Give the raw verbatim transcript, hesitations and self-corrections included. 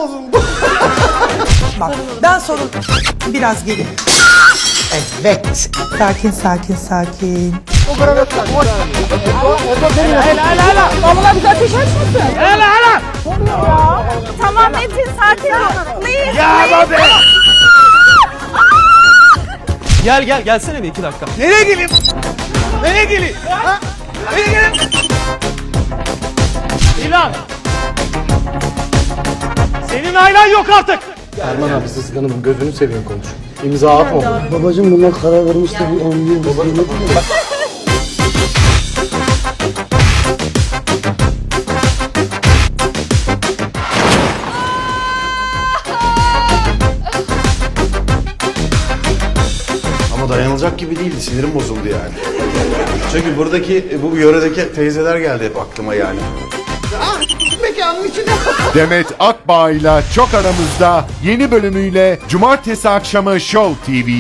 bozuldu. Bak ben sorun biraz gelin. Evet. Sakin sakin sakin. Vallahi bize ateş açmasın. Hele hele. Tamam Metin sakin ol. Please. Ya babe. Gel gel gelsene bir iki dakika. Nereye geleyim? Nereye geleyim? Ha? Nereye geleyim? İlan. Senin ailen yok artık. Erman abi Sızık Hanım'ın gözünü seveyim konuş. İmza atma. Babacım bunlar karar vermişti bir on yıl. Ama dayanılacak gibi değildi. Sinirim bozuldu yani. Çünkü buradaki, bu yöredeki teyzeler geldi hep aklıma yani. Demet Akbağ ile Çok Aramızda yeni bölümüyle Cumartesi akşamı Show T V.